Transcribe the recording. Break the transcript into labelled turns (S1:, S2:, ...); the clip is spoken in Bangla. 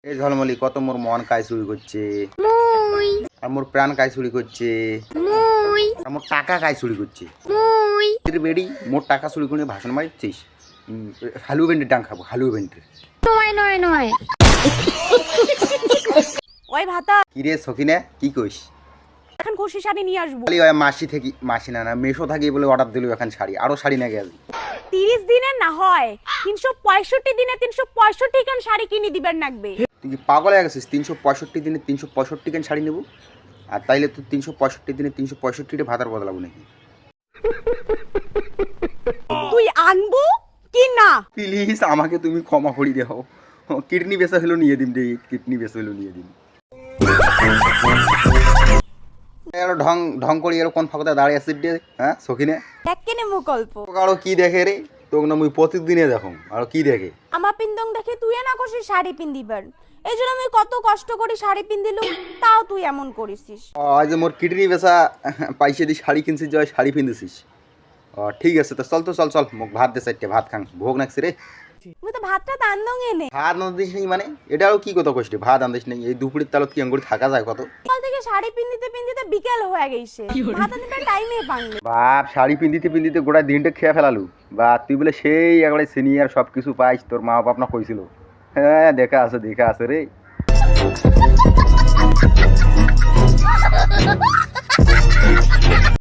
S1: এই ঝলমলি কত মোর মন কাজ চুরি করছে,
S2: মুই
S1: আর মোর প্রাণ কাজ চুরি করছে,
S2: মুই
S1: আর মোর টাকা কাজ চুরি করছে।
S2: মুই
S1: তোর বেড়ি মোর টাকা চুরি করে ভাষণ মারিছিস। হালু বেন্ডের ডাং খাবো, হালু বেন্ডের।
S2: নয় নয় নয়
S3: ওই ভাতা
S1: কি রে সখিনে, কি কইস?
S3: এখন খুশি শাড়ি নিয়ে আসবো।
S1: খালি ওই মাসি থেকে, মাসি না না মেশো থাকি বলে অর্ডার দিল এখন শাড়ি, আরো শাড়ি না গেছে।
S3: 30 দিনের না হয় 365 দিনে 365 খান শাড়ি কিনে দিবেন লাগবে।
S1: তুই কি পাগল হয়ে গেছিস? 365 দিনে 365 কেন শাড়ি নেবো? আর তাইলে তুই 365 দিনে 365টা ভাতার বদলাবো নাকি?
S3: তুই আনবো কি না?
S1: প্লিজ আমাকে তুমি ক্ষমা করে দাও। কিডনি বেচা হলো নিয়ে দিন রে, কিডনি বেচা হলো নিয়ে দিন। এর ঢং ঢং করি এর কোন ফাঁকতে দাঁড়িয়ে আসিস রে? হ্যাঁ সখিনে
S3: দেখ কেনে মো গল্প
S1: আরো কি দেখে রে? তোকে না মুই প্রতিদিনে দেখো আরো কি দেখে।
S3: আমার পিন্দং দেখে তুই না খুশি শাড়ি পিন্দিবার, এই জন্য আমি কত কষ্ট করে শাড়ি পিন্দিলু, তাও তুই এমন করিসিস।
S1: আজ মোর কিডনি বেচা পাইছে দি শাড়ি কিনছিস, জয় শাড়ি পিন্দিছিস। ঠিক আছে তো চল তো চল চল, মুখ ভাত দে চারটে, ভাত খাং, ভোগ নাকছে রে।
S3: মুই তো ভাতটা দান্দং এনে
S1: ভাত আনদিস নেই মানে এটাও কি কথা কইছিস? ভাত আনদিস নেই, এই দুপুরের তালত কি আঙ্গুরি থাকা যায় কত?
S3: সকাল থেকে শাড়ি পিন্দিতে পিন্দিতে বিকেল হয়ে গেছে, ভাত আনতে টাইমে পাইনি।
S1: বাপ শাড়ি পিন্দিতে পিন্দিতে গোটা দিনটা খেয়ে ফেলালু। বা তুই বলে সেই একবারে সিনিয়র সব কিছু পাইস, তোর মা বাপ না কইছিল। হ্যাঁ দেখা আছে রে।